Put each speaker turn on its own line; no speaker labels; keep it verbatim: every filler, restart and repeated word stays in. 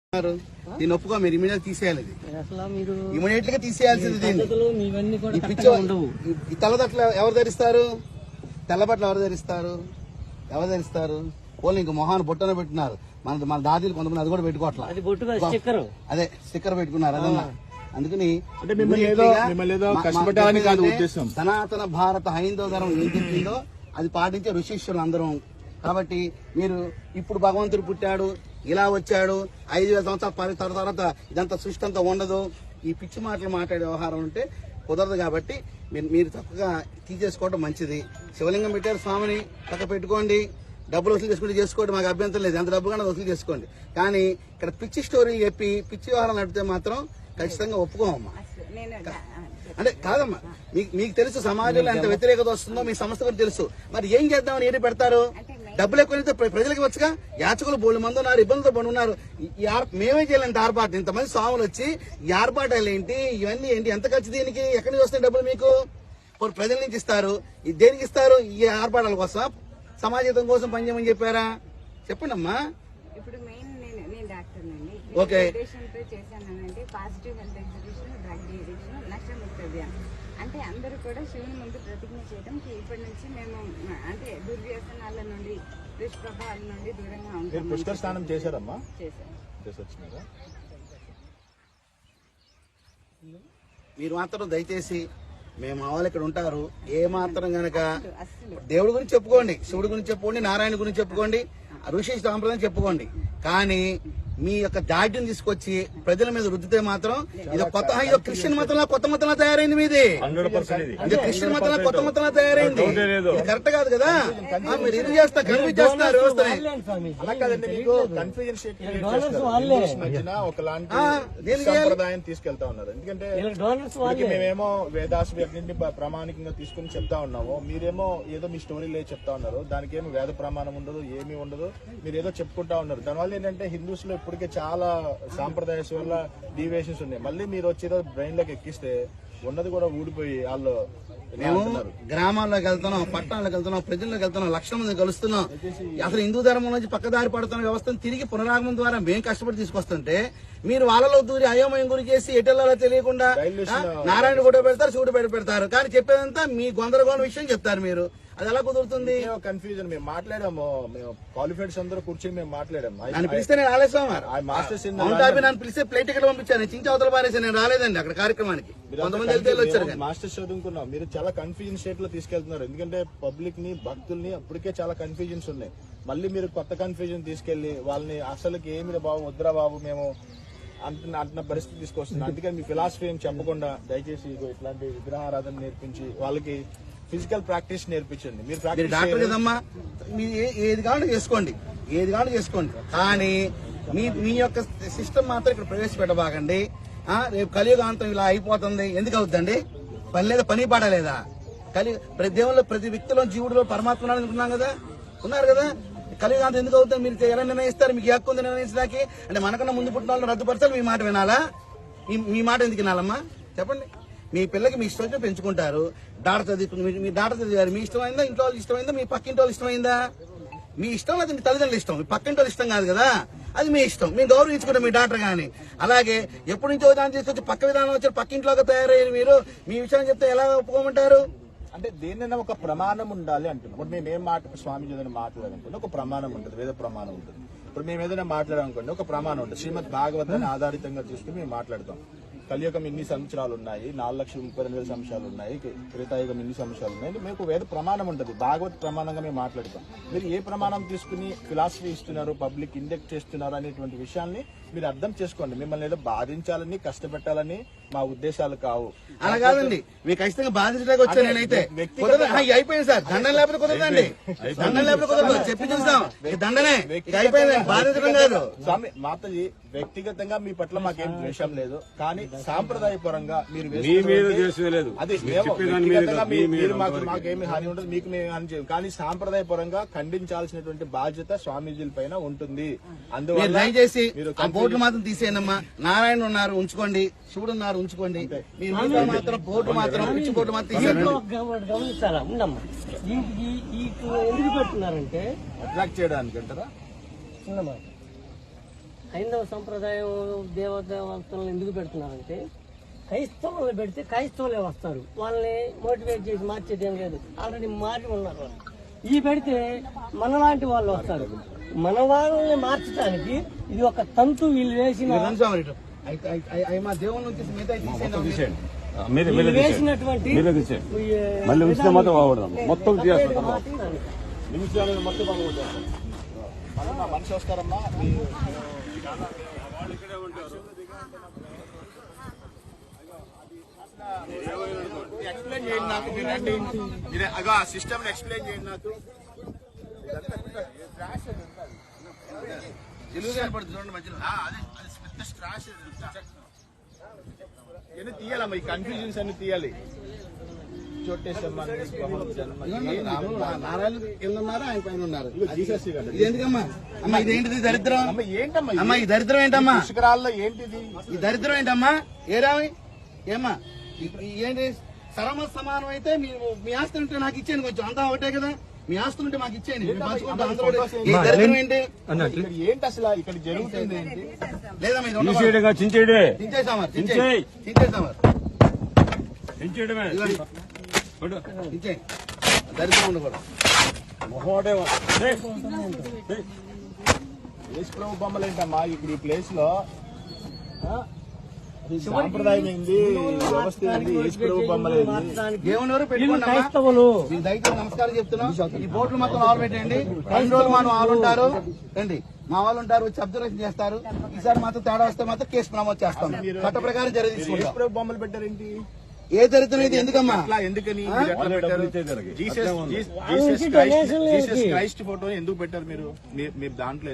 దీన్ని ఒప్పుకో మీరు ఇమీడియట్ తీసేయాలి. ఇమీడియట్ గా తీసేయాల్సింది దీన్ని. ఈ తెల్లబట్టలు ఎవరు ధరిస్తారు? తెల్లబట్టలు ఎవరు ధరిస్తారు? ఎవరు ధరిస్తారు? పోలీ ఇంక మొహాన్ని బొట్టన పెట్టినారు. మన మన దాదీలు కొంతమంది అది కూడా పెట్టుకోవట్లేదు. అదే స్టిక్కర్ పెట్టుకున్నారు. అదన్నా అందుకని సనాతన భారత హైందవ ధర్మం ఏం చెప్పిందో అది పాటించే ఋషీశ్వరులు అందరం. కాబట్టి మీరు ఇప్పుడు భగవంతుడు పుట్టాడు, ఇలా వచ్చాడు, ఐదు వేల సంవత్సరాల తర్వాత ఇదంతా సృష్టి అంతా ఉండదు, ఈ పిచ్చి మాటలు మాట్లాడే వ్యవహారం ఉంటే కుదరదు. కాబట్టి మీరు మీరు చక్కగా తీసేసుకోవడం మంచిది. శివలింగం పెట్టారు స్వామిని, చక్క పెట్టుకోండి. డబ్బులు వసూలు చేసుకుంటే చేసుకోండి, మాకు అభ్యంతరం లేదు. ఎంత డబ్బు కన్నా వసూలు చేసుకోండి. కానీ ఇక్కడ పిచ్చి స్టోరీ చెప్పి పిచ్చి వ్యవహారం నడిపితే మాత్రం ఖచ్చితంగా ఒప్పుకోమమ్మా. అంటే కాదమ్మా, మీకు మీకు తెలుసు సమాజంలో ఎంత వ్యతిరేకత వస్తుందో మీ సంస్థ కూడా తెలుసు. మరి ఏం చేద్దామని ఏది పెడతారు? డబ్బులు ఎక్కువైతే ప్రజలకు వచ్చుగా. యాచకులు బోళ్ళు మంది ఉన్నారు, ఇబ్బందులతో పడి ఉన్నారు. మేమే చేయాలంటే ఆర్పాటు, ఇంతమంది స్వాములు వచ్చి ఈ ఆర్పాటాలు ఏంటి, ఇవన్నీ ఏంటి, ఎంత ఖర్చు దీనికి? ఎక్కడి నుంచి వస్తాయి డబ్బులు మీకు? ప్రజల నుంచి ఇస్తారు. దేనికి ఇస్తారు? ఈ ఆర్పాటాల కోసం, సమాజం కోసం పనిచేయమని చెప్పారా? చెప్పండి అమ్మా.
ఇప్పుడు మెయిన్ నేను డాక్టర్ నండి.
ఓకే,
చేశానంటే positive health exhibition, drug addiction, Nashamukti Abhiyan. అంటే అందరూ కూడా శివుని ముందు ప్రతిజ్ఞ చేయడం ఇప్పటి నుంచి మేము అంటే దుర్వ్యసనాల నుండి దుష్ప్రభావాల నుండి దూరంగా ఉంటాం.
పుష్కర స్నానం చేశారమ్మా?
చేశారు.
మీరు మాత్రం దయచేసి మేము మా వాళ్ళు ఇక్కడ ఉంటారు. ఏ మాత్రం గనక దేవుడి గురించి చెప్పుకోండి, శివుడి గురించి చెప్పుకోండి, నారాయణ గురించి చెప్పుకోండి, ఋషి సాంప్రదాయం చెప్పుకోండి. కానీ మీ యొక్క దాడ్యం తీసుకొచ్చి ప్రజల మీద రుద్దితే మాత్రం ఇది కొత్త ఇదో క్రిస్టియన్ మతంలో కొత్త మతంలో తయారైంది. మీది ఇది క్రిస్టియన్ మతంలో కొత్త మతంలో తయారైంది. ఇది కరెక్ట్ కాదు కదా. మీరు ఇది చేస్తా కన్ఫ్యూజ్ చేస్తున్నారు
సంప్రదాయం తీసుకెళ్తా ఉన్నారు. ఎందుకంటే మేమేమో వేదాస్ నుండి ప్రామాణికంగా తీసుకుని చెప్తా ఉన్నాము, మీరేమో ఏదో మీ స్టోరీ లేదు చెప్తా ఉన్నారు. దానికి ఏమో వేద ప్రమాణం ఉండదు, ఏమీ ఉండదు, మీరు ఏదో చెప్పుకుంటా ఉన్నారు. దానివల్ల ఏంటంటే హిందూస్ లో ఇప్పటికే చాలా సాంప్రదాయస్ వల్ల డీవియేషన్స్ ఉన్నాయి. మళ్ళీ మీరు వచ్చేదో బ్రెయిన్ లోకి ఎక్కిస్తే ఉన్నది కూడా ఊడిపోయి వాళ్ళు
మేము గ్రామాల్లోకి వెళ్తున్నాం, పట్టణాలకు వెళ్తున్నాం, ప్రజల్లోకి వెళ్తున్నాం, లక్షల మంది కలుస్తున్నాం. అసలు హిందూ ధర్మం నుంచి పక్కదారి పడుతున్న వ్యవస్థను తిరిగి పునరాగమనం ద్వారా మేము కష్టపడి తీసుకొస్తుంటే మీరు వాళ్ళలో దూరి అయోమయం గురి చేసి ఎటెల్లాలో తెలియకుండా నారాయణ ఫోటో పెడతారు, శివుడు బయట పెడతారు. కానీ చెప్పేదంతా మీ గొందరగోళం విషయం చెప్తారు మీరు. అది ఎలా కుదురుతుంది?
కన్ఫ్యూజన్. మేము మాట్లాడాము, మేము క్వాలిఫైడ్స్ అందరూ కూర్చొని మేము మాట్లాడాము.
నన్ను పిలిస్తే నేను రాలేదు. నన్ను పిలిస్తే ప్లేట్ టికెట్ పంపించాను, చించి అవతల పారేసి నేను రాలేదండి అక్కడ కార్యక్రమానికి. కొంతమంది వచ్చారు.
మాస్టర్స్ చదువుకున్నాం, మీరు చాలా కన్ఫ్యూజన్ స్టేట్ లో తీసుకెళ్తున్నారు. ఎందుకంటే పబ్లిక్ ని, భక్తుల్ని అప్పటికే చాలా కన్ఫ్యూజన్స్ ఉన్నాయి. మళ్ళీ మీరు కొత్త కన్ఫ్యూజన్ తీసుకెళ్లి వాళ్ళని అసలుకి ఏమి బాబు వద్దురా బాబు మేము అంటున్న అంటున్న పరిస్థితి తీసుకొస్తుంది. అందుకని మీ ఫిలాసఫీ ఏం చెప్పకుండా దయచేసి ఇట్లాంటి విగ్రహారాధన నేర్పించి వాళ్ళకి ఫిజికల్ ప్రాక్టీస్ నేర్పించండి. మీరు
డాక్టర్ కదమ్మా, మీరు ఏది కావాలో చేసుకోండి, ఏది కావాలో చేసుకోండి. కానీ మీ మీ యొక్క సిస్టమ్ మాత్రం ఇక్కడ ప్రవేశపెట్టబాకండి. రేపు కలియుగాంతం ఇలా అయిపోతుంది. ఎందుకు అవుతుందండి? పని లేదా, పని పాడలేదా? కలి ప్రతి దేవుళ్ళు, ప్రతి వ్యక్తిలో జీవుడిలో పరమాత్మ అనుకున్నాం కదా, ఉన్నారు కదా. కలియుగాంతం ఎందుకు అవుతుంది? మీరు ఎలా నిర్ణయిస్తారు? మీకు హక్కు ఉంది నిర్ణయించడానికి. అంటే మనకన్నా ముందు పుట్టిన వాళ్ళని రద్దుపరచాలి, మీ మాట వినాలా? మీ మాట ఎందుకు వినాలమ్మా? చెప్పండి. మీ పిల్లకి మీ ఇష్టం పెంచుకుంటారు. డాక్టర్ చదువుకుని మీ డాక్టర్ చదివారు, మీ ఇష్టమైందా? ఇంట్లో వాళ్ళు ఇష్టమైందా? మీ పక్కింటి వాళ్ళు ఇష్టమైందా? మీ ఇష్టం లేదా మీ తల్లిదండ్రులు ఇష్టం, మీ పక్కింటి వాళ్ళు ఇష్టం కాదు కదా. అది మీ ఇష్టం, మేము గౌరవించుకుంటాం మీ డాక్టర్ గాని. అలాగే ఎప్పటి నుంచో విధానం తీసుకొచ్చి పక్క విధానం వచ్చి పక్కింట్లోకి తయారయ్యారు. మీరు మీ విషయం చెప్తే ఎలా ఒప్పుకోమంటారు?
అంటే దేనినైనా ఒక ప్రమాణం ఉండాలి అంటున్నాం. ఇప్పుడు మేము ఏం మాట స్వామి ఏదైనా మాట్లాడాలనుకోండి ఒక ప్రమాణం ఉంటుంది, వేద ప్రమాణం ఉంటుంది. ఇప్పుడు మేము ఏదైనా మాట్లాడాలనుకోండి ఒక ప్రమాణం ఉంటుంది. శ్రీమద్ భాగవతాన్ని ఆధారితంగా తీసుకుని మేము మాట్లాడతాం. కలియుగం ఇన్ని సంవత్సరాలు ఉన్నాయి, నాలుగు లక్షల ముప్పై రెండు వేల సంవత్సరాలు ఉన్నాయి, త్రేతాయుగం ఇన్ని సంవత్సరాలు ఉన్నాయి. మీకు వేద ప్రమాణం ఉంటుంది, భాగవత్ ప్రమాణంగా మేము మాట్లాడతాం. మీరు ఏ ప్రమాణం తీసుకుని ఫిలాసఫీ ఇస్తున్నారు, పబ్లిక్ ఇండెక్ట్ చేస్తున్నారు అనేటువంటి విషయాన్ని మీరు అర్థం చేసుకోండి. మిమ్మల్ని ఏదో బాధించాలని, కష్టపెట్టాలని మా ఉద్దేశాలు కావు.
అలా కాదండి, మీకు ఖచ్చితంగా బాధించడానికి వచ్చా. నేనైతే అయిపోయింది సార్, దండం లేకపోతే కుదరదండి, దండం లేకపోతే కుదరదు. చెప్పి చూస్తాం, దండనే అయిపోయింది, బాధించడం కాదు.
స్వామి మాతజీ వ్యక్తిగతంగా మీ పట్ల మాకేం ద్వేషం లేదు, కానీ సాంప్రదాయపరంగా మీరు అది మాకేమి హాని ఉండదు, మీకు మేము హాని చేయం. కానీ సాంప్రదాయపరంగా ఖండించాల్సినటువంటి బాధ్యత స్వామీజీల పైన ఉంటుంది. అందువల్ల
దయచేసి బోర్డు మాత్రం తీసేయనమ్మా. నారాయణ ఉన్నారు ఉంచుకోండి, శివుడు ఉన్నారు ఉంచుకోండి. మీరు మాత్రం బోర్డు మాత్రం పిచ్చి బోర్డు మాత్రం తీసేయండి.
అట్రాక్ట్ చేయడానికి అంటారా?
హైందవ సంప్రదాయం దేవదేవతలను ఎందుకు పెడుతున్నారంటే క్రైస్తవులు పెడితే క్రైస్తవులే వస్తారు, వాళ్ళని మోటివేట్ చేసి మార్చేది ఏం లేదు, ఆల్రెడీ మారి ఉన్నారు వాళ్ళు. ఈ పెడితే మనలాంటి వాళ్ళు వస్తారు. మన వాళ్ళని మార్చడానికి ఇది ఒక తంతు వీళ్ళు వేసిన
రండి స్వామి ఇటు. అయి- అయి- అయి- అయి మా దేవుని నుంచి మిగతా తీసేయండి.
మీరే
వీళ్ళు
మీరే
వేసినటువంటి
మీరే తీసేయండి.
ఈ
మళ్ళీ ఉంచితే మాత్రం బాగుపడదాం. మొత్తం
తప్పేది మాత్రం దానికి.
నిమిషాలు మొత్తం బాగుంటారు. మళ్ళీ మా మనిషి వస్తారమ్మా మీ- ఎక్స్ప్లెయిన్ చేయండి నాకు, మీరు రండి. మీరే అగో ఆ సిస్టమ్ ఎక్స్ప్లెయిన్ చేయండి నాకు.
తెలుగు కనపడుతుంది చూడండి మధ్యలో.
ఆ, అదే అది పెద్ద స్ట్రాష్ ఇవన్నీ తీయాలమ్మా, ఈ కన్ఫ్యూజన్స్ అన్ని తీయాలి. చోటేశ్వరమ్మ జన్మ
ఇదిగోండి, రాములు నారాయణ కింద ఉన్నారు, ఆయన పైన ఉన్నారు.
జీసస్ కదా.
ఇది ఎందుకమ్మా? అమ్మా ఇదేంటిది దరిద్రం?
అమ్మ ఏంటమ్మా ఇది?
అమ్మా ఈ దరిద్రం ఏంటమ్మా?
పుష్కరాల్లో ఏంటిది?
ఈ దరిద్రం ఏంటమ్మా? ఏరామి ఏమ్మా ఈ- ఈ ఏంటి సరమ సమానం అయితే మీ మీ ఆస్తి ఉంటే నాకు ఇచ్చేయండి, కొంచెం అంతా ఒకటే కదా, మీ ఆస్తులు ఉంటే మాకు ఇచ్చేయండి, మేము పంచుకుంటాం అందరూ కూడా. ఈ దరిద్రం ఏంటి?
ఇక్కడ ఏంటి అసలు ఇక్కడ జరుగుతుంది ఏంటి?
లేదమ్మా ఇది ఉండకూడదు.
తీసేయడంగా చించేయడే
దించేసామా
దించేయ్.
దించేసామా
చించేయడమే
దించేయి. దరిద్రం ఉండకూడదు.
మొహోడే
యేసు ప్రభు బొమ్మలు ఏంటమ్మా ఇప్పుడు ఈ ప్లేస్ లో? ఆ? ఇది సాంప్రదాయం ఏంది, వ్యవస్థ ఏంది, యేసు ప్రభు బొమ్మలు ఏంది?
మార్చడానికి
దేవుని వరకు
వీళ్ళు
పెట్టుకోండి
క్రైస్తవులు.
మీకు దయచేసి నమస్కారం చెప్తున్నాం. ఈ బోట్లు మొత్తం ఆలు పెట్టండి. రెండు రోజులు మనం వాళ్ళు ఉంటారు రండి, మా వాళ్ళు ఉంటారు, వచ్చి అబ్జర్వేషన్ చేస్తారు. ఈసారి మాత్రం తేడా వస్తే మాత్రం కేసు నమోదు చేస్తాం, చట్ట ప్రకారం చర్య
యేసు
తీసుకుంటాం.
ప్రభు బొమ్మలు పెట్టారేంటి?
ఏ దరిద్రం ఇది ఎందుకమ్మా?
అట్లా ఎందుకని మీరు ఎట్లా పెట్టారు? జీసస్ జీసస్
వాళ్ళ నుంచి
క్రైస్ట్
డొనేషన్లు
జీసస్
ఏంటి?
క్రైస్ట్ ఫోటో ఎందుకు పెట్టారు మీరు? మీ- మీ దాంట్లో